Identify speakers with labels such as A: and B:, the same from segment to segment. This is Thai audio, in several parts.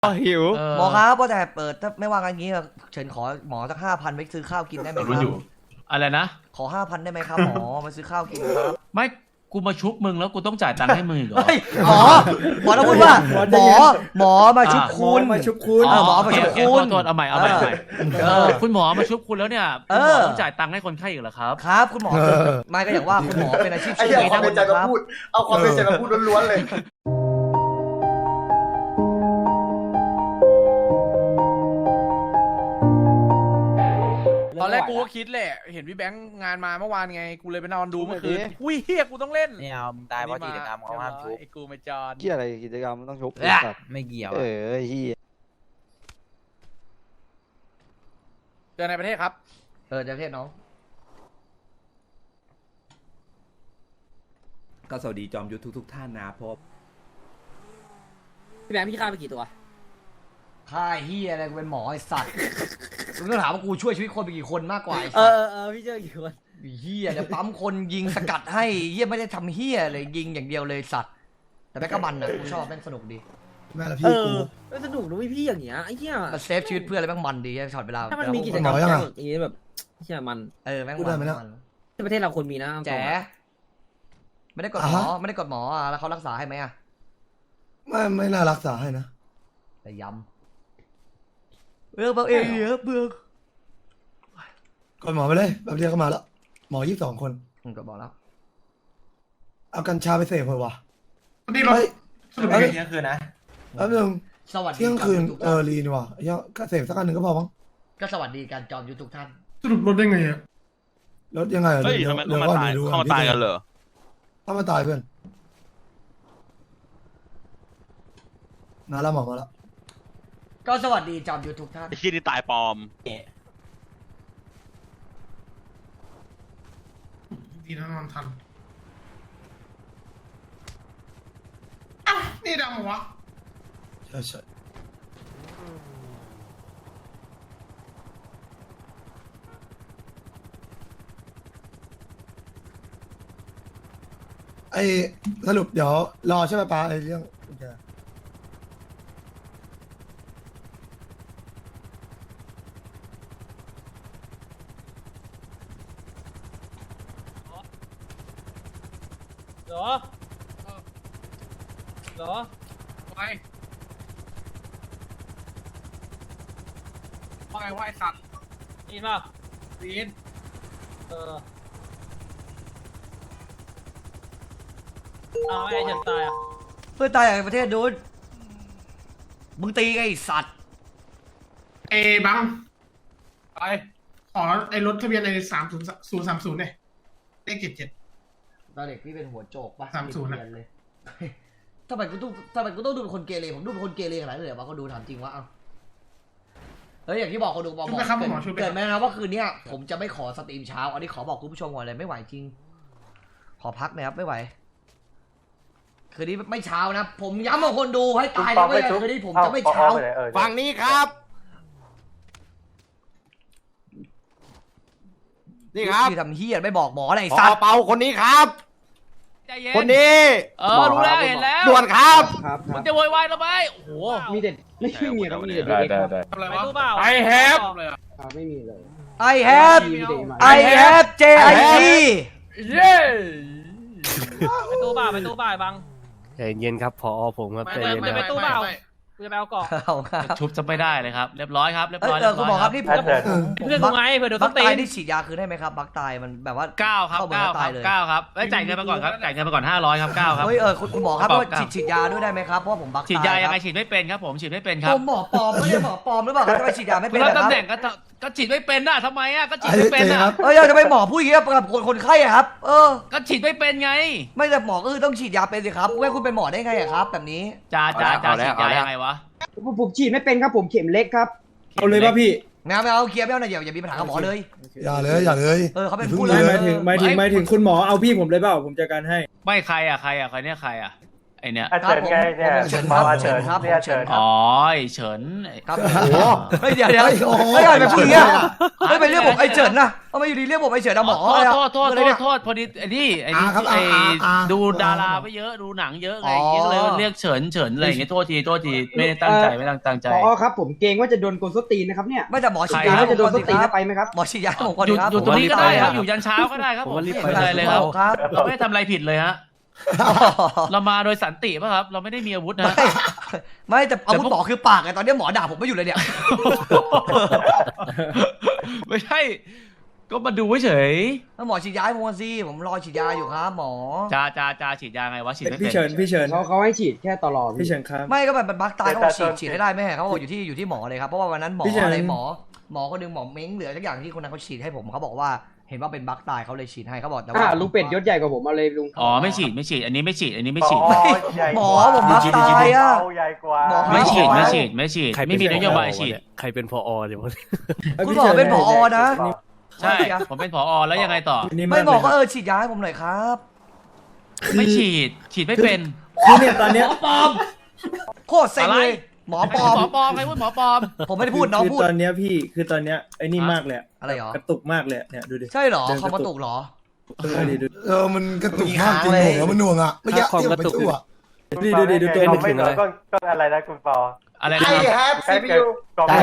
A: หิว
B: หมอครับว่าแต่เปิดถ้าไม่ว่ากันงี้เฉินขอหมอสัก5,000ไปซื้อข้าวกินได้ไหมครับ
C: อะไรนะ
B: ขอ5,000ได้ไหมครับหมอมาซื้อข้าวกินครับ
C: ไม่กูมาชุบมึงแล้วกูต้องจ่ายตังค์ให้มึงอีกเหรอ
B: เฮ้ยหมอต้องพูดว่าหมอมาชุบคุณ
D: มาชุบคุณ
B: หมอมาชุบคุณ
C: โทษเอาใหม่คุณหมอมาชุบคุณแล้วเนี่ยคุณหมอต้องจ่ายตังค์ให้คนไข้อีกเหรอครับ
B: ครับคุณหมอไม่ก็อย่างว่าคุณหมอเป็นอาชีพ
D: ไอ้
B: ชื่อ
D: เหี้ย
B: นี้
D: ความ
B: นะ
D: เป็นใจมาพูด เอาความเป็นใจมาพูดล้วนๆเลย
A: ตอนแรกกูก็คิดแหละเห็นพี่แบงค์งานมาเมื่อวานไงกูเลยไปนอนดูเมื่อคืนอุ้ยเฮียกูต้องเล่น
E: ไม่เอามึงตายเพราะกิจกรรมเขาห้ามชุบ
A: ไอ้กูไม่จอน
F: เกี่ยอะไรกิจกรรมมันต้องชก
E: ไม่เกี่ยว
F: เออเฮีย
A: เจอในประเทศครับ
B: จะเทศน้อง
G: ก็สวัสดีจอมยุทธทุกท่านนะเพราะ
H: พี่แบงค์พี่ฆ่าไปกี่ตัว
B: ค่ายเฮียอะไรกูเป็นหมอไอสัตว์มึงต้องถามว่ากูช่วยชีวิตคนไปกี่คนมากกว่าไอ
H: เอ
B: สัตว์
H: พี่เจอกี่คน
B: เฮียเดี๋ยวปั๊มคนยิงสกัดให้เฮียไม่ได้ทำเฮียเลยยิงอย่างเดียวเลยสัตว์แต่แม่งก็มันนะกูชอบแม่งสนุกดี
D: แม่ละพี่กู
H: ก็สนุกนะพี่อย่างเงี้ยไอ้เหี้ย
B: มันเซฟชีวิตเพื่อนอะไรแม่งมันดีช็อตเวลา
H: ถ้ามันมีกิจกรรมอย่างงี้แบบเหี้ยมัน
B: แม่ง
D: พูดได้ไหมเนี่ย
B: มัน
H: ที่ประเทศเราควรมีนะ
B: แจ๋ไม่ได้กดหมอไม่ได้กดหมอแล้วเขารักษาให้ไหมอะ
D: ไม่น่ารักษาให้นะ
B: แต่ย้ำเบาเองเยอะเบื่อ
D: ก่อนหมอไปเลยแบบเดียวก็มาแล้วหมอ22 คน
B: ก็บอกแล้ว
D: เอากัญชาไปเสพเลยวะ
I: นี่เรา
D: เฮ้ย
I: สรุป
D: เฮ้ย
I: เที่ยงคืนนะ
D: แป๊บนึง
B: สวัสดี
D: เที่ยงคืน
B: จอมยุทธทุกท่าน
D: รีนี่วะเหี้ยก็เสพสักอันหนึ่งก็พอมั้ง
B: ก็สวัสดีการจอมยุทธทุกท่าน
I: สรุปลดได้ไงอ่ะ
D: ลดยังไง
F: เฮ้ยทำไมเขามาตายเขามาตายกันเหรอ
D: เข้ามาตายเพื่อนมาแล้วหมอมาแล้ว
B: ก็สวัสดีจอมยุทธทุกท่าน
F: ไอ้ขี้นี่ตายปลอม
I: ดีนะนอนทันอ้าวนี่ดำเหรอวะ
D: ใช่ไอ้สรุปเดี๋ยวรอใช่ไหมป้าไอ้เรื่องกุญแจ
H: เหรอ
I: ไปว่าไงว่าไอ้สัตว์
H: นี่ป่ะ
I: วีน
H: เอาไอ้เจ็บตายอ่ะ
B: เพื่อนตายในประเทศนู้นมึงตีไอ้สัตว์
I: เอบังไปขอไอ้รถทะเบียนใน3030เนี่ยเลข77
B: ตอนเด็กพี่เป็นหัวโจกปะ
I: 30
B: เรียนเลย ทำไมกูต้องดูเป็นคนเกเรผมดูเป็นคนเกเรขนาดนั้นเลยเหรอวะเขาดูถามจริงวะเอ้าเฮ้ยอย่างที่บอกเขาดูบอก
I: ช่วยไปครับหมอช่วยไป
B: เกิดไหมนะว่าคืนเนี้ยผมจะไม่ขอสตรีมเช้าอันนี้ขอบอกคุณผู้ชมก่อนเลยไม่ไหวจริง ขอพักหนะครับไม่ไหวคืนนี้ไม่เช้านะ ผมย้ำกับคนดูให้ตายนะไม่คืนนี้ผมจะไม่เช้า
A: ฝั่งนี้ครับ นี่ครับ
B: ที่ทำเฮียไม่บอกหมออะไร
A: พ
B: สั
A: อ
B: ตว์
A: เปาคนนี้ครับ
C: ใจเย็น
A: คนนี้
C: รู้แล้วเห็นแล้ว
A: ด่วนครับ
C: มึงจะโวยวายทำไมโอ้โห
E: มีเด็ดไม่มีแล้วมีเด็ดได้
I: ทำอะไร
H: ไป
I: วะ
H: ตู้เปล่า
A: ไอแฮป
I: เลยอ่ะ
E: ไม่มีเลย
B: I have JIC
A: เย้
H: ไปตู้เปล่าบัง
F: ใจเย็นครับพอผมครับใจ
H: ไม่
F: เย็น
H: ไม่
F: นะ
H: ไปตู้เปล่า กูจะไปเอาเกาะ
B: เอาครับ
C: ชุบจะไม่ได้เลยครับเรียบร้อยครับเรียบ
B: เอ
C: ร้อย
B: อคุณหมอครับนี่ผม
H: เพื่อนกูไงเพื่อนเดี๋ยว
B: บั
H: ต้อก งตี
B: ตายนี่ฉีดยาคืนได้ไหมครับบักตายมันแบบว่า
C: 9ครับ
B: เข้าเมือง
C: 9
B: แล้ว
C: ค
B: ตา
C: รั
B: ย
C: บ
B: เลย
C: 9ครับจ่ายเงินไปก่อนครับจ่ายเงินไปก่อน500ครับ9ครับ
B: เฮ้ยคุณหมอครับ
C: กระ
B: ว่า
C: เป๋า
B: ฉีดยาด้วยได้ไหมครับเพราะว่าผมบักตาย
C: ฉีดยายังไง
B: ครับ
C: ฉีดไม่เป็นครับผมฉีดไม่เป็นค
B: ผ
C: รับ
B: มหมอปลอมไม่ใช่หมอปลอมหรือเปล่าครับทำไมฉีดยาไม่
C: คุ
B: เป็
C: ณ
B: น
C: รับ
B: นะค
C: ตำ
B: รับ
C: แหน่งก็ฉีดไม่เป็นน่ะทำไมอ่ะก็ฉีด
D: ไอ้
C: ไม่เป็น
D: เจ๊ครั
C: อ่ะ
D: บ
B: เออจะไปหมอพูดอย่างนี้กับคนไข้อะครับ
C: ก็ฉีดไม่เป็นไง
B: ไม่แต่หมอก็คือต้องฉีดยาเป็นสิครับไม่คุณเป็นหมอได้ไงอะครับ แบบนี้
C: จ่าฉีดยายังไงวะ
E: ผมฉีดไม่เป็นครับผมเข็มเล็กครับ
D: เอาเลยป่ะพี่
B: ไม่เอาเคลียร์ไม่เอานะอย่ามีปัญหากับหมอเลย
D: อย่าเลย
B: เขาเป็น
D: อย่า
B: ผู้
D: เพิ่ง
B: เลย
D: เลย
C: หมายถึงคุณหมอเอาพี่ผมเลยเปล่าผมจัดการให้ไม่ใครเนี่ยใครไอเนี้ย
B: เฉินไงเนี่ยเฉินครับเฉินครับเฉินครับ
C: อ๋อไอ้เฉิน
B: ครับโอ้โหเฮ้ยเดี๋ยวไม่ได้ไปพูดอย่างเงี้ยไม่ไปเรียกผมไอ้เฉินนะเอามาอยู่ดีเรียกผมไอ้เฉินนะหมอ
C: โทษพอดีไอ้นี่ดูดาราไปเยอะดูหนังเยอะไงก็เลยเรียกเฉินอะไรอย่างเงี้ยโทษทีไม่ได้ตั้งใจไม่ตั้งใจ
E: พอครับผมเกรงว่าจะโดนกลส้นตีนนะครับเนี่ย
B: ไม่แต่หมอฉีด
E: เกรง
B: ยา
E: ว่าจะโดนส้นตีนไปไหมครับ
B: หมอฉีดยาผมก่อน
C: อยู่ตรงนี้ก็ได้ครับอยู่ยันเช้าก็ได้ครับผมไม่เป็นไรเลยครับเราไม่ได้ทำอะไรผิดเลยฮะเรามาโดยสันติป่ะครับเราไม่ได้มีอาวุธนะ
B: ไม่แต่อาวุธหมอคือปากไงตอนนี้หมอด่าผมไม่อยู่เลยเนี่ย
C: ไม่ใช่ก็มาดูเฉย
B: แล้วหมอฉีดยาให้ผมสิผมรอฉีดยาอยู่ครับหมอ
C: จ้าฉีดยาไงวะฉีดไม่เป็น
D: พี่เฉิน
E: เขาให้ฉีดแค่ตลอด
D: พี่เฉินครับ
B: ไม่ก็แบบบักตายเขาบอกฉีดให้ได้ไหมเขาบอกอยู่ที่หมอเลยครับเพราะว่าวันนั้นหมออะไรหมอคนนึงหมอเม้งเหลือทุกอย่างที่คนนั้นเขาฉีดให้ผมเขาบอกว่าเห็นว่าเป็นบักตายเขาเลยฉีดให้เขาบอกแต่ว่า
E: ลุงเป็ดยศใหญ่กว่าผมเอาเลยลุง
C: อ๋อไม่ฉีดอันนี้ไม่ฉีด
B: หมอผมบักตายอ่ะ
C: ไม่ฉีดไม่มีนโยบายฉีด
F: ใครเป็นพอเดี๋ยว
B: คุณหมอเป็นผอนะ
C: ใช่ผมเป็นผอแล้วยังไงต่อ
B: ไม่หมอก็ฉีดยาให้ผมหน่อยครับ
C: ไม่ฉีดไม่เป็น
D: คือเนี่ยตอนเนี้ย
C: หมอปลอม
B: โคตรเซ็งเลยหมอปลอม
C: หมอปลอมใครพูดหมอปลอม
B: ผมไม่ได้พูดน้อง
D: คือ
B: พูด
D: ตอนเนี้ยพี่คือตอนเนี้ยไอ้นี่มากเลย
B: อะไรหรอก
D: ระตุกมากเลยเนี่ยดูดิ
B: ใช่หรอคอมกระตุกหรอ
D: มันกระตุกมากจริงเหรอมันหน่วงอ่ะไม่ยากที่ไปทั่วดูตัวนึกถึงอะไร
F: ก็อะไรนะคุณปอ
C: อะไร
I: ไอ้
C: นะ
I: แฮปซีพียู
F: ได้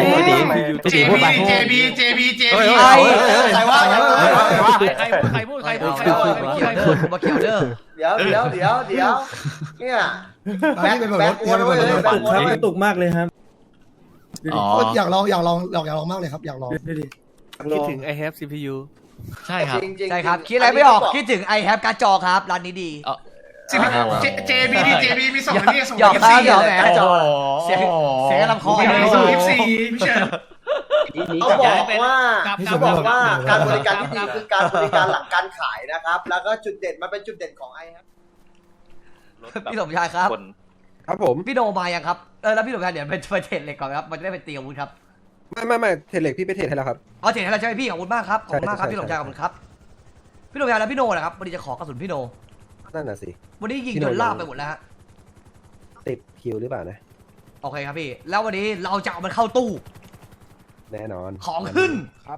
I: JB
B: ใครว่า
C: ใครพูด
B: มาเขียวเด้อ
I: เดี๋ยวเนี่ยแบ็คอ้วนเลยแบ็คอ้วน
D: กระตุกมากเลยครับ
C: อ๋อ
D: อยากลองมากเลยครับอยากลองดูดิ
F: คิดถึง I have CPU
C: ใช่ครับ
B: ใช่ครับคิดอะไรไม่ออกคิดถึง I have การ์ดจอครับร้านนี้ดี
I: JB มีส่งนี่ส่ง
B: หยอกครับหยอกแหม
C: โอ้โห
B: เสียงลำคอ
I: ส่ง14พี่เชิญ
A: เขาบอกว่าการบริการที่ดีคือการบริการหลังการขายนะครับ แล้วก็จุดเด่นมันเป็นจุดเด่นของไอ้ครับ
B: พี่สมชายครับ
G: ครับผม
B: พี่โนมายังครับแล้วพี่สมชายเดี๋ยวไปเทรดเหล็กก่อนครับมันจะได้ไปตีอาวุธครับ
G: ไม่เทรดเหล็กพี่ไปเทรดให้แล้วครับ
B: เอาเทรดให้เราใช่ไหมพี่ขอบคุณมากครับขอบคุณมากครับ
G: ใช่
B: พี่สมชายขอบคุณครับพี่สมชายแล้วพี่โนนะครับวันนี้จะขอกระสุนพี่โน
G: นั่นน่ะสิ
B: วันนี้ยิงจนลาบไปหมดแล้วฮะ
G: ติดคิวหรือเปล่านะ
B: โอเคครับพี่แล้ววันนี้เราจะเอามันเข้าตู้
G: แน่นอน
B: ของขึ้น
G: ครับ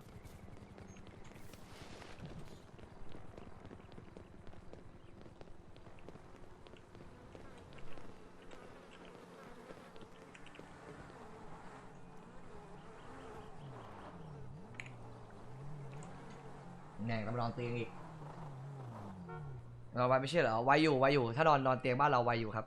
B: แน่ก็มานอนเตียงอีกเราไว้ไม่ใช่เหรอไว้อยู่ถ้านอนเตียงบ้านเราไว้อยู่ครับ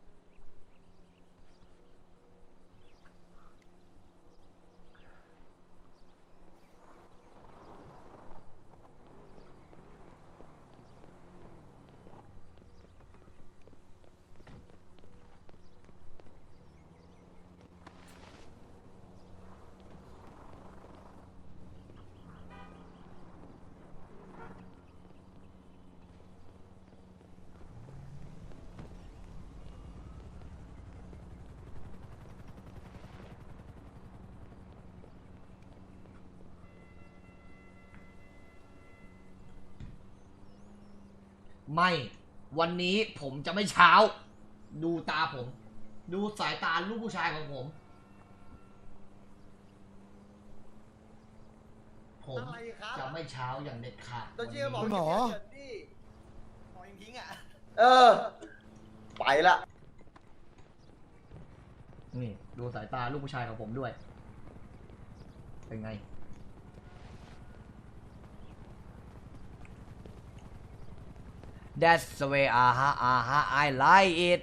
B: ไม่วันนี้ผมจะไม่เช้า ดูตาผม ดูสายตาลูกผู้ชายของผม ผมจะไม่เช้าอย่างเด็ดขาด
D: คุณหมอ
A: ไปละ
B: นี่ดูสายตาลูกผู้ชายของผมด้วย เป็นไง That's the way I like it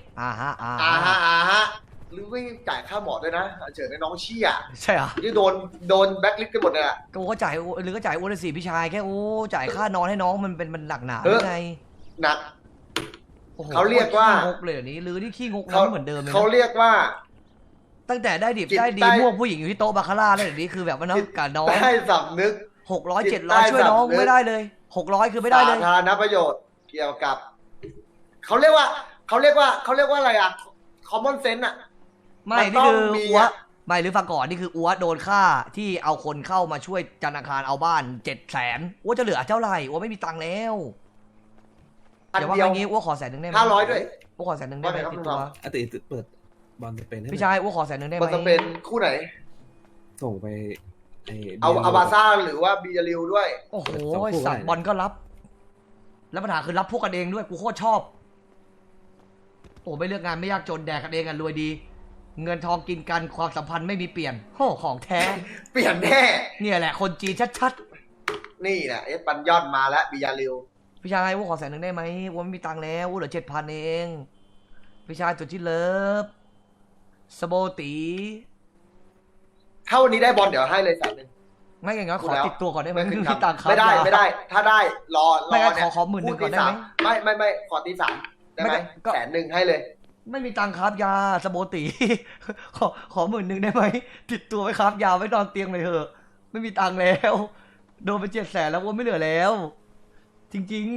A: หรือไม่จ่ายค่าหมอด้วยนะเฉินในน้องเชี่ย
B: ใช่เหรอ
A: ที่โดนแบ็คลิสต์กันหมดเลยอะ
B: ก็จ่ายหรือก็จ่ายอ้วนสิพี่ชายแค่จ่ายค่านอนให้น้องมันหนักหนาไง
A: หนัก
B: โอ้โห
A: เขาเรียกว่า
B: ขี้งกเลยนี้หรือนี่ขี้งกนั้นเหมือนเดิมเลย
A: เขาเรียกว่า
B: ตั้งแต่ได้ดิบ
A: จิต
B: ได้ดี
A: ใต้
B: พวกผู้หญิงอยู่ที่โต๊ะบาคาร่าแล้วเดี๋ยวนี้คือแบบว่าน้องกับน้อง
A: ได้สำนึก
B: 600
A: จิตใต้
B: 700ช่วยน้อง
A: สำนึก
B: ไม่ได้เลย600คือไม่ได้เลย
A: สาธารณประโยชน์เกี่ยวกับเขาเรียกว่าอะไรอะ common sense อะ
B: ไม่
A: มันต้
B: นี่
A: อง
B: คือ
A: มี
B: อัว
A: อะ
B: ไม่หรือฟังก่อนนี่คืออัวโดนฆ่าที่เอาคนเข้ามาช่วยธนาคารเอาบ้าน700,000อัวจะเหลือเท่าไหร่อัวไม่มีตังค์แล้ว
A: พัน
B: เดี๋ยวว่า
A: เดียว
B: อย่างงี้อัวขอ100,000ได้ไหม
A: 500ด้วย
B: โอ้ขอ100,000ได้ไหมติดตัว
G: อติเปิดบอลสเปนให้
B: พี่ชายอ้วขอ100,000ได้ไหม
A: มันจะเป็นคู่ไหน
G: ส่งไป
A: เอาบาซ่าหรือว่าบียาริวด้วย
B: โอ้โหสัตว์บอลก็รับแล้วปัญหาคือรับพวกกันเองด้วยกูโคตรชอบโอ้ไม่เลือกงานไม่ยากจนแดกกันเองกันรวยดี เงินทองกินกันความสัมพันธ์ไม่มีเปลี่ยนโอ้ของแท้
A: เปลี่ยนแน่
B: เนี่ยแหละคนจีนชัด
A: นี่นะเอสปันยอนมาแล้วบียาริว
B: ๆพี่ชายอ้วขอ100,000ได้ไหมอ้วไม่มีตังค์แล้วอ้วเหลือ7,000เองพี่ชายสุดที่เลิฟสโบตี
A: ถ้าวันนี้ได้บอลเดี๋ยวให้เลย100,000
B: ไม่อย่างงั้นขอติดตัวก่อนได้ไหม
A: ไม่
B: ไม่
A: ขึ้น
B: มีตังค์ครับ
A: ไม่ได้ถ้าได้รอ
B: ไม่งั้น
A: เนี่ย
B: ขอ10,000ก่อนได้ไหม
A: ไม่ขอตี3ได้ไหม
B: ก็
A: 100,000ให้เลย
B: ไม่มีตังค์ครับยาสโบตี ขอ10,000ได้ไหมติดตัวไว้ครับยาไว้นอนเตียงเลยเถอะไม่มีตังค์แล้วโดนไป700,000แล้วว่าไม่เหลือแล้ว จริง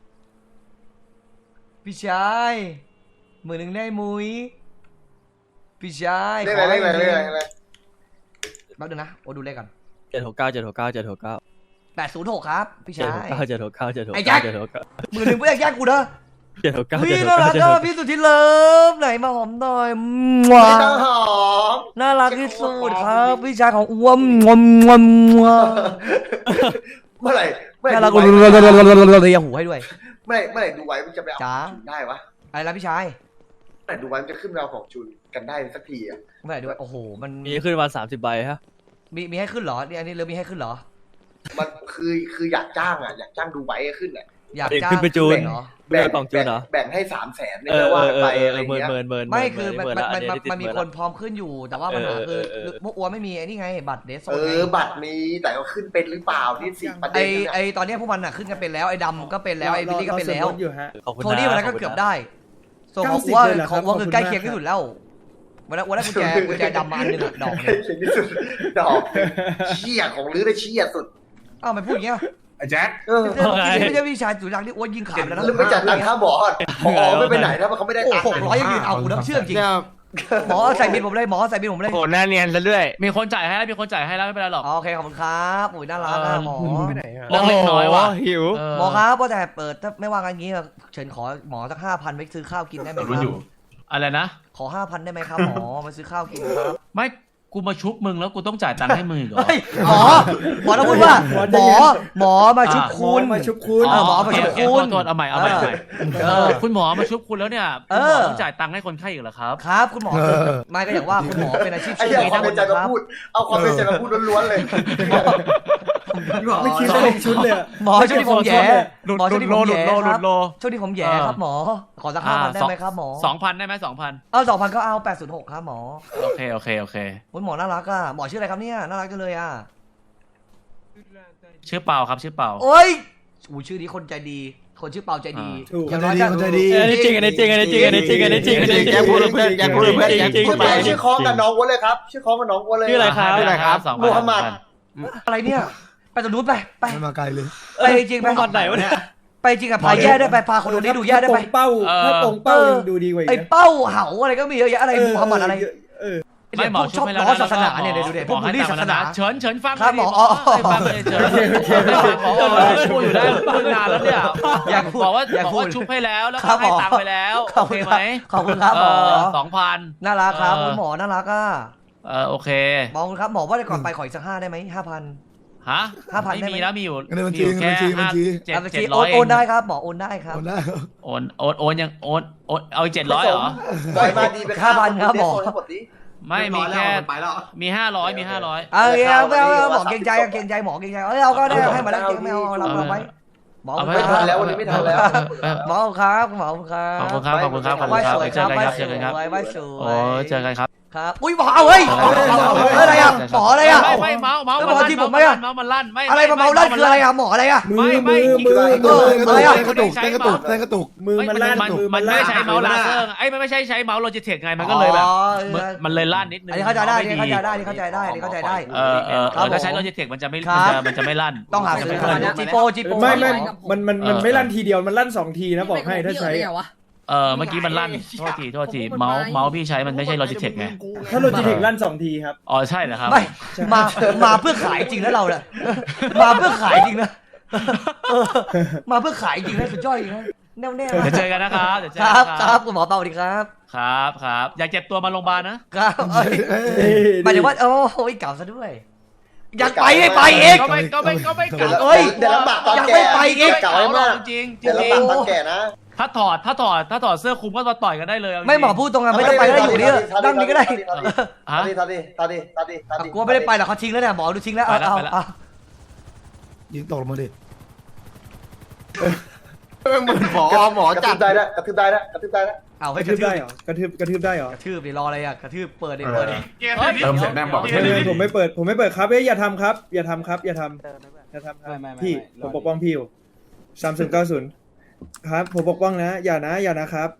B: ๆพี่ชาย10,000ได้มุ้ยพี่ชาย
A: ได้
B: ขอ
A: เลย
B: ให้
A: ได้เลย
B: จริง
A: ได้เลย
B: แป๊บนึงนะโอ้ดูเลขกัน
F: 769
B: 806ครับพี่ชาย
F: 769
B: ไอ้แจ็ค 10,000ไม่อยากแย่งกูนะ
F: 769
B: พี่น่ารักอะพี่สุดที่เลิฟไหนมาหอมหน่อย
A: ไม่ต้องหอม
B: น่ารักที่สุดครับพี่ชายของอ้วมงวมงวมงวม
A: เมื่อไหร่
B: น่ารัก
A: ดู
B: เลยหูให้ด้วย
A: เมื่อไหร่ดูไว้มันจะไปเอา
B: จ๋า
A: ของจุนได้วะ
B: อะไรนะพี่ชาย
A: เมื่อไหร่ดูไว้มันจะขึ้นไปเอาของจุนกันได้สักทีอ่ะ
B: ไม่ได้ด้วยโอ้โหมัน
F: มีขึ้นมา30 ใบฮะ
B: มีให้ขึ้นเหรอนี่อันนี้เริ่มมีให้ขึ้นเหรอ
A: มันคืออยากจ้างอ่ะอยากจ้างดูไว้ขึ้นอ่ะ
B: อยากจ้าง
F: ขึ้นไปจูน
B: เหรอ
A: แบ่ง
F: กล่องจูนเหรอ
A: แบ่งให้300,000เนี่ยว่าไปอะไรเงี้ย
F: เมิน
B: ไม่คือมันมีคนพร้อมขึ้นอยู่ แต่ว่าปัญหาคือพวกอ้วนไม่มีไอ้นี่ไงบัตรเดสโซน
A: บัตรมีแต่ก็ขึ้นเป็นหรือเปล่านี่สิประเด็นเนี่ย
B: ไอตอนนี้พวกมันอะขึ้นกันเป็นแล้วไอ้ดำก็เป็นแล้วไอ้บิลลี่ก็เป็นแล้ว
F: ขอบคุณ
B: โทนี่วันนั้นก็เกือบได้ส่วนของอ้วนของอ้วนคือใกล้เคียงที่สุดแล้ววันนั้นกุญแจดำมาอันหนึงอะดอก
A: ใกล้เคียงที่สุดดอกเชี่ยของลื้อได้เชี่ยสุด
B: อ้าวมันพูดอย่างเงี้ย
I: ไอ้แจ็ค
B: ไม่ใช่พี่ชายสุดรักที่อ้วนยิงขาดแล้วนะ
A: แล้วไม่จัดตังค่าหมอไม่ไปไหนถ้าเขาไม่ได้
B: โอ้
A: ตังค์
B: 600ยังยืนเอาหูน้ำเชื่อมจริงหมอใส่บินผมเลยหมอใส่บินผมเลย
F: โหหน้าเนียนซะด้วย
C: มีคนจ่ายให้แล้วมีคนจ่ายให้แล้วไม่เป็นไรหรอก
B: โอเคขอบคุณครับโอ้ยน่ารักอะหมอ
C: เรื่องเล็กน้อยว่ะ
F: หิว
B: หมอครับว่าแต่เปิดถ้าไม่ว่ากันงี้เชิญขอหมอสัก5,000ไปซื้อข้าวกินได้ไหมครับ
C: อะไรนะ
B: ขอ5,000ได้ไหมครับหมอมาซื้อข้าวกินครับ
C: ไม่กูมาชุบมึงแล้วกูต้องจ่ายตังค์ให้มึงอีกเหรอ
B: เฮ้ยหมอต้องพูดว่าหมอมาชุบคุณ
E: มาชุบคุณ
B: หมอมาชุบคุณ
C: โทษเอาใหม่คุณหมอมาชุบคุณแล้วเนี่ยคุณหมอต้องจ่ายตังค์ให้คนไข้อีกเหรอครับ
B: ครับคุณหมอไม่ก็อย่างว่าคุณหมอเป็นอาชีพ
A: ไอ้
B: ชื่อ
A: เหี้ย
B: นี้
A: ความ
B: นะ
A: เป็นใจมา
B: ครับ
A: พูดเอาความเป็นใจมาพูดล้วนๆเลย
E: ไม่คิดว่าเป็นชุดเลยอะ
B: หมอช่วงที่ผมแย่หมอช่วงที่ผมแย่
C: หลุ
B: ครั
C: ด
B: บ
C: โล
B: ช่วงที่ผมแย่ครับหมอขอสัก5,000ได้ไหมครับหมอ
C: 2,000ได้ไหม2,000
B: เอา2,000ก็เอา806ครับหมอ
C: โอเค
B: คุณหมอน่ารักอ่ะหมอชื่ออะไรครับเนี่ยน่ารักจังเลยอ่ะ
C: ชื่อเปาครับชื่อเปา
B: โอ้ยอู้ชื่อนี้คนใจดีคนชื่อเปาใจดี
E: ถูก
B: อย่างน้อยก็
D: คนใจดี
F: อันนี้จริงอันนี้จริงอันนี้จริงอันนี้จริงอันนี้จริงอันนี้จริง
G: แจ็คพูดเลยเพื่อนแจ็คพูดเลยเพื่อนแจ็คพูด
A: ชื่อคล้องกับน้องวัวเลยครับชื่อคล้องกับน้องวัวเลย
F: ชื่ออะไรครับ
C: ชื่ออะไรครับ2,000
A: มูฮัมหมัด
B: อะไรเนี่ยไปตรงนู้นไป
D: ไม่มาไกลเลย
B: ไปจริงไป
F: ตอนไหนวะเนี่ย
B: ไปจริงอะพาแย่ได้ไปพาคนดูนี้ดูแย่ได้ไป
E: เป้าถ้าตรงเป้ายังดูดีกว่าอีก
B: ไอ้
E: นะ
B: เป้าเหาอะไรก็มีเยอะแยะอะไรมูฮัมหมัดอะไร
C: ไม่หมอ
B: ชอบ
C: ให้
B: ล้อศาสนาเนี่ยดูเด็พวกบูลลี่ศาสนา
C: เฉินฟัง
B: ครับหมอ
C: ฟังเลยเฉินหมอพูดอยู่ได้พูดนานแล้วเนี่ยบอกว่าชุบให้แล้วแล้วก็ให้ตังค์ไปแล้วโอเคไหม
B: ขอบคุณครับหมอ
C: 2,000
B: น่ารักครับคุณหมอน่ารักอ่ะ
C: โอเค
B: หมอครับหมอว่าจะก่อนไปขออีกสัก5ได้ไหม5,000
C: ฮะ
B: 5,000
C: ไม่มีแล้วมีอยู่
D: เงินบัญชี
C: แค่
D: บัญชี
B: โอนได้ครับหมอโอนได้ครับ
D: คนได้
C: โอนยังโอนเอาอีก700เหรอ
A: ปล่อยมาดีไป
B: 5,000ครับหมอ
A: ทั้งหมดนี้
C: ไม่มีแค่มี500มี500
B: เอาหมอเกรงใจหมอเกรงใจเอาก็ได้ให้มาแล้วเกรงไม่เอาเราไว้หมอ
A: ไม่ทันแล้ววันนี้ไม่ทันแล้ว
B: หมอครับหมอครับ
C: ขอบคุณครับเจอกันครับเจอกันครับ
B: ไว้สวย
C: โอ้เจอกันครับ
B: ครับอุ้ยหมอเอาเฮ้ยอะไรอ่ะหมออะไรอ่ะ
C: ไม่เมาส์มันลั่นไม่
B: อะไรมาเมาลั่นคืออะไรอ่ะหมออะไรอ่ะ
E: มือ
B: อะไรอ่ะ
D: กระตุกกระตุกกระตุก
E: มือมันลั่น
C: มันไม่ใช้เมาส์ลาเซอร์ไอ้มันไม่ใช่ใช้เมาส์โลจิเทคไงมันก็เลยแบบมันเลยลั่นนิดนึง
B: อันนี้เข้าใจได้เข้าใจได้
C: ถ้าใช้โลจิเทคมันจะไม่ลั่น
B: ต้องหาซื้อจีโป
E: ไม่มันไม่ลั่นทีเดียวมันลั่น2 ทีนะบอกให้ถ้าใช้
C: เมื่อกี้มันลั่นโทษทีเมาส์พี่ใช้มันไม่ใช่โลจิเทคไง
E: ถ้าโลจิเทคลั่น2 ทีครับ
C: อ๋อใช่เหรอครับ
B: ไม่มาเพื่อขายจริงแล้วเราเนี่ยมาเพื่อขายจริงนะมาเพื่อขายจริงนะสุดยอดจริงนะแน่วแน่
C: เดี๋ยวเจอกันนะครับเดี๋ยวเจอ
B: ค
C: กั
B: รับ
C: น
B: ค
C: ค
B: รั
C: รั
B: บบ คุณหมอเปาสวัสดีครับ
C: ครับครับอย่าเจ็บตัวมาโรงพยาบาลนะครับ
B: เอ้ยหมายถึงว่าโอ้ยเก่าซะด้วยอยากไปให้ไปเอง
C: ก็ไม่กลับ
B: เอ้ย
A: เดี๋ยวลำบากตอน
B: ยัง
A: แก่
B: ไม่ไปอีก
A: เก่าให้มาก
C: จริงๆ
A: เดี๋ยวลำบากตอนแก่นะ
C: ถ้าถอดเสื้อคลุมก็มาต่อยกันได้เลยเาจริง
B: ไม่หมอพูดตรงกันไม่ต้องไปก็ได้อยู่นี่นั่งนี่ก็ได้
C: ฮะ
A: ตาดี
B: กลัวไม่ได้ไปหรอกเขาทิ้งแล้วเนี่ยหมอดูทิ้งแล้วเอา
C: ไปแล้ว
D: ยิงตกลงมาดิ
A: หมอจับได้แล้วกระทืบได้แล้ว
B: เอา
E: ก
B: ให้
E: ระ
B: ก
E: ทื
B: ระ
E: บ
B: ทื
E: ได้
B: บ
E: เหรอกระทืบได้เหรอก
B: ระทืบดิรออะไรอ่ะกระทืบเปิดดิเปิดดิ
I: เติมเสร็จแน่บอก
E: ผมไม่เปิดครับอย่าทำครับอย่าทำครับพี่ผมปกป้องพี่อยู่3090ครับผมปกป้องนะอย่านะครับ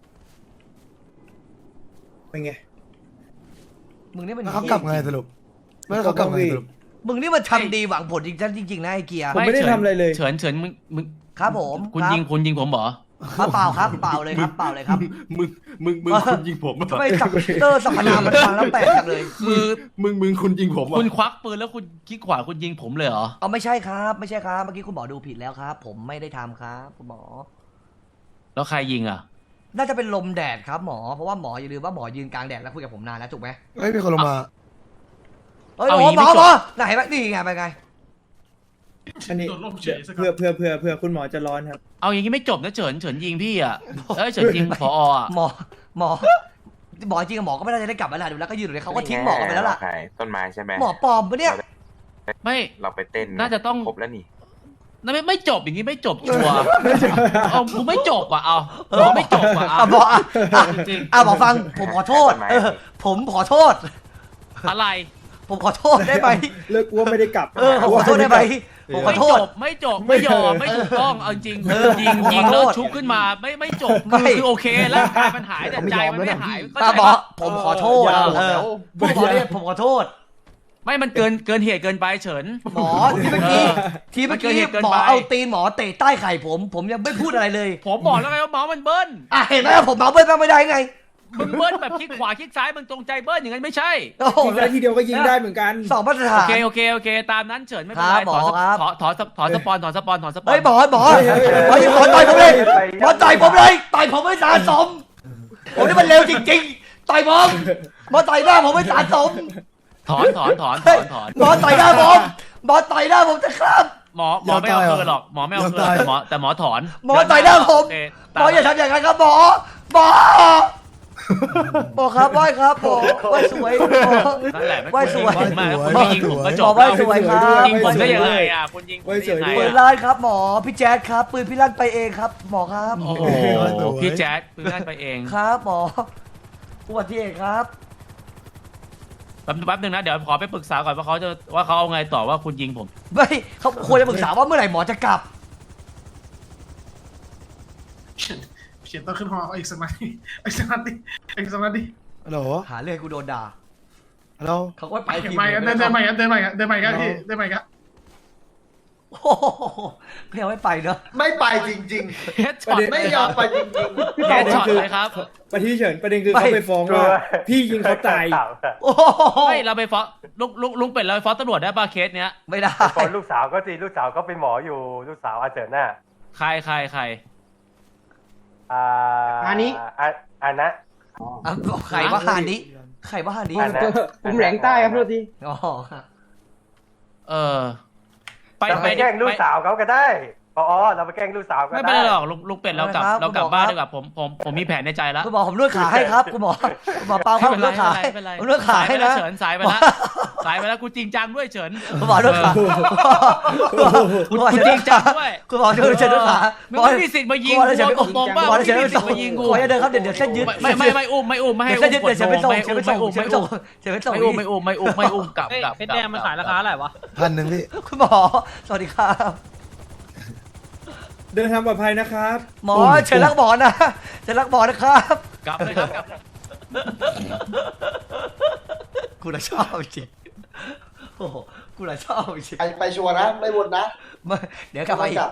E: เป็นไง
B: มึงนี่มัน
D: แล้วเขากลับไงสรุปไม่เขากลับไงสรุป
B: มึงนี่มันทำดีหวังผลจริงๆนะไอ้เกียร์
E: ผมไม่ได้ทำอะไรเลย
C: เฉินมึง
B: ครับผม
C: คุณยิงผมเหรอ
B: เปล่าครับเปล่าเลยครับเปล่าเลยครับ
G: มึงคุณยิงผม
B: ทำไมสับเตอร์สัพพนามมันฟังแล้วแปลกจังเลย
C: คือ
G: มึงคุณยิงผม
C: คุณควักปืนแล้วคุณคิดขวาคุณยิงผมเลยเหรอ
B: เอาไม่ใช่ครับไม่ใช่ครับเมื่อกี้คุณหมอดูผิดแล้วครับ ผมไม่ได้ทำครับคุณหมอ
C: แล้วใครยิงอ่ะ
B: น่าจะเป็นลมแดดครับหมอเพราะว่าหมออย่าลืมว่าหมอยืนกลางแดดแล้วคุยกับผมนานแล้วถูกไหม
D: เฮ้ยมีคนลงมา
B: เฮ้ย
C: เอา
B: ห
C: อ
B: ม
C: ย่างนี้
B: อ
C: ไม่จบ
B: ไหนวะนี่ไงไปไง
E: อันนี้
I: โดนล่มเฉยสัก
E: เพื่อคุณหมอจะร้อนครับ
C: เอาอย่างนี้ไม่จบนะเฉินยิงพี่อ่ะเอ้ยเฉินยิงผออ่ะ
B: หมอจริงกับหมอก็ไม่น่าจะได้กลับมาแล้วดูแล้วก็ยืนอยู่เลยเขาก็ทิ้งหมอกันไปแล้วล่ะ
G: ต้นไม้ใช่ไหม
B: หมอปลอมปะเนี่ย
C: ไม่
G: เราไปเต้น
C: น่าจะต้อง
G: ครบแล้วนี่
C: นั่นไม่จบอย่างนี้ไม่จบชัวร์เอากูไม่จบอ่ะเอาผมไม่จบอ่ะ
B: หมอ
C: จริง
B: หมอฟังผมขอโทษผมขอโทษ
C: อะไร
B: ผมขอโทษได้ไหม
E: เลิกกลัวไม่ได้กลับ
B: ผมขอโทษได้ไหมผมขอโทษ
C: ไม่จบไม่ยอมไม่ถูกต้องเอาจริงยิงแล้วชุบขึ้นมาไม่จบคือโอเคแล้วกายมันหายแต่ใจมันไม่หาย
B: หมอผมขอโทษผู้หมอเนี่ยผมขอโทษ
C: ไม่มันเกินเหตุเกินไปเฉิน
B: หมอที่เมื่อกี้หมอเอาตีนหมอเตะใต้ไข่ผมยังไม่พูดอะไรเลย
C: ผมบอกแล้วไงว่าเมาส์มันเบิ้ล
B: เห็นไหมผมเมาเบิ้ลบ้างไม่ได้ไง
C: มึงเบิ้ลแบบคลิกขวาคลิกซ้ายมึงตรงใจเบิ้ลอย่างนั้นไม่ใช่
B: โอ้โห
E: ยิงได้ทีเดียวก็ยิงได้เหมือนกัน
B: สองมาตรฐาน
C: โอเคตามนั้นเฉินไม่เป็นไร
B: หมอครับ
C: ถอนสปอน
B: เฮ้ยหมอต่อยผมเลยหมอต่อยผมเลยต่อยผมไม่สะสมผมนี่มันเร็วจริงๆต่อยผมหมอต่อยหน้าผมไม่สะสม
C: ถอน
B: หมอต่อยหน้าผมจะครับ
C: หมอไม่เอาคืนหรอกหมอไม่เอาคืนแต่หมอถอน
B: หมอต่อยหน้าผมหมออย่าทำอย่างนั้นครับหมอครับไหว้ครับหมอไหว้สวยหมอ
C: นั่นแหละ
B: ไหว้สวย
C: มากคุณไม่ยิงผมก็จ
B: หมอบ ไหว้สวยครับ
C: ยิงผมได้ยังไงอ่ะคุณยิงผมได้ยังไง
B: ปืนลั่นครับหมอพี่แจ๊ดครับปืนพี่ลั่นไปเองครับหมอครับ
C: โอ้โหพี่แจ๊ดปืนลั่นไปเอง
B: ครับหมออุบัติเหตุครับ
C: แป๊บนึงนะเดี๋ยวขอไปปรึกษาก่อนว่าเขาเอาไงต่อว่าคุณยิงผม
B: ไม่เขาควรจะปรึกษาว่าเมื่อไหร่หมอจะกลับ
I: เขียนต้องขึ้นหออีกสักนาทีอีกสักนาที
D: ฮัลโหล
B: หาเรื่องให้กูโดนด่า
D: ฮัลโหล
B: เขาก็ไปทีม
I: เดินใหม่กัน
B: โอ้โหไม่เอาไม่ไปเนอะ
A: ไม่ไปจริง
C: เฮดช็อต
A: ๆ ไม่ยอมไปจริง
C: เฮดช็อตเลยครับ
E: ประเด็นคือเขาไปฟ้องว่าพี่ยิงเขาตาย
B: โอ้โห
C: ไม่เราไปฟ้องลุงเป็ดเราไปฟ้องตำรวจได้ป่ะเคสเนี้ย
B: ไม่ได้
J: ตอนลูกสาวก็จริงลูกสาวก็เป็นหมออยู่ลูกสาวอาเจิดน่ะ
C: ใคร
J: อันนี้อันนะ
B: ใครว่าฮานิใครว่าฮานิ
J: ผมแหลงใต้ครับพี่ที
B: อ๋อ
C: ไป
J: แกล้งลูกสาวเขาก็ได้เราไปแกล้งลูกสาวก็ได้
C: ไม่เป็นไรหรอกลุงเป็ดเรากลับบ้านดีกว่าผมมีแผนในใจแล้ว
B: คุณหมอผมนวดขาให้ครับคุณหมอเปาครับผมนวดขาให้ผมนวดขาให้นะ
C: เฉินสายไปแล้วกูจริงจังด้วยเฉิน
B: คุณหมอนวดขาคุณจริงจังด้วยคุณหมอช่วยเชิญนวดขา
C: มึงไม่มีสิทธิ์มายิงกูตรงๆบ้างไม่มีสิทธิ์มายิงกู
B: ขออย่าเดินครับเดี๋ยวเส้นยึด
C: ไม่อุ้มไม่ให้
B: เส้นยึดเดี๋ยวเชิญไปส่งเชิญไปส่งไม่
C: อุ้มกลับ
H: เพชรแดงมันขายราคาอะไรวะ
D: 1,000พี่
B: คุณหมอสวัสดีครับ
E: เดินทางปลอดภัยนะครับ
B: หมอเชิญรักหมอนะเชิญรักหมอนะครับ
C: กลับเลยครับกลับ
B: กูน่ะชอบจริงโอ้โหกูน่ะชอบจริง
A: ไปชัวร์นะ ไม่วนนะ
B: เดี๋ยวกลับมาอีก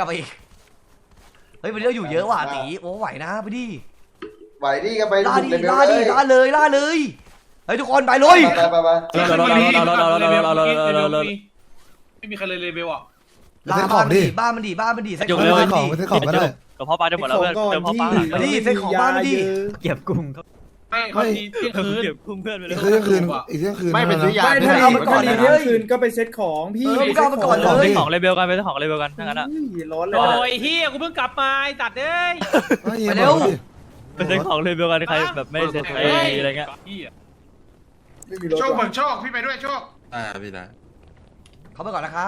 B: เฮ้ยวันนี้เราอยู่เยอะว่ะตีโอ้ไหวนะไปดิ
A: ไหวดิก็ไป
B: ล่า
A: บุก
B: ดิ
A: เลย
B: ล่าเลยเฮ้ยทุกคนไปเลย
A: ไป
I: ไม่มีใครเลยเลเวลอ่ะ
B: บ้านมันดีสัก
D: ไปซื้อของก็ได้
F: กับพ่อปลาจะหมดแล้วเพื่อนเติมพ่อปลา
B: มาดิเซ็ตของบ้านมาดิ
F: เก็บกุ้ง
C: ไม่เขาทีเที่ยงคืน
F: เก็บกุ้งเพื่อนไปเลย
D: อีกเที่ยงคืนอีกเที่ยงคืน
G: ไม่เป็นซื้อยา
E: ไม่ถ้า
B: เอามาก่อน
E: ถ้า
B: เลย
E: เที่ยงคืนก็ไปเซ็ตของพี่
B: มึงก็เอามาก่อนเลย
F: ของเลเวลกันไปของเลเวลกันทั้งนั้นอ่ะ
E: ร้อนเลย
H: โอ้ยเฮียกูเพิ่งกลับมาไอ้ตัดเอ้ย
B: ไปเร็ว
F: ไปเซ็ตของเลเวลกันใครแบบไม่เซ็ตอะไรเงี้ย
E: ไม่มีรถ
I: โชค
E: ว่ะ
I: เบิกโชคพี่ไปด้วยโชค
G: พี่นะ
B: เขาไปก่อนนะครับ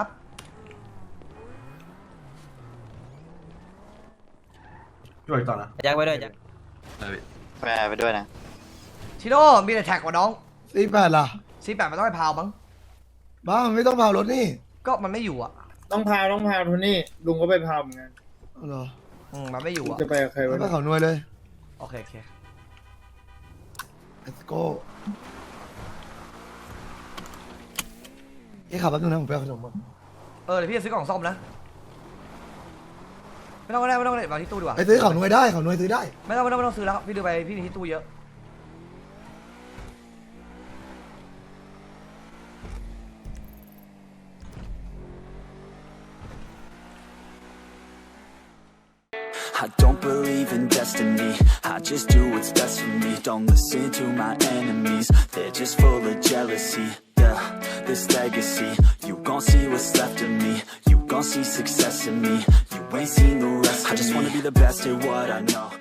G: ช่วยต่อนะ
F: แจ็คไปด้วยแจ็ค
G: แปรไปด้วยนะ
B: ชิโร่มีแต่แท็กกว่าน้อง
D: 48ล่ะ
B: 48มันต้องไปพาวมั้ง
D: บ้ามันไม่ต้องพารถนี่
B: ก็มันไม่อยู่อ่ะ
E: ต้องพาวโทนี่ลุงก็ไปพาวเหมือนกัน
D: เหรอ
B: มันไม่อยู่อ่ะ
E: จะไปกับใคร
D: ไป
E: วะ
D: เขาหน่วยเลย
B: โอเคโอเค
D: let's go นี่ขับแป๊บนึงนะผมไปเอาขนมก่อน
B: เดี๋ยวพี่จะซื้อกล่องซ่อมนะ ไม่ต้องก็ได้มาที่ตู้ดีกว่า
D: ไปซื้อเขาหน่วยได้เขาหน่วยซื้อได้
B: ไม่ต้องซื้อแล้วพี่ดูไปพี่มีที่ตู้เยอะ
K: I don't believe in destiny, I just do what's best for me. Don't listen to my enemies, they're just full of jealousy. Yeah, this legacy, you gon' see what's left of me. You gon' see success in me, you ain't seen the rest of me. I just wanna be the best at what I know.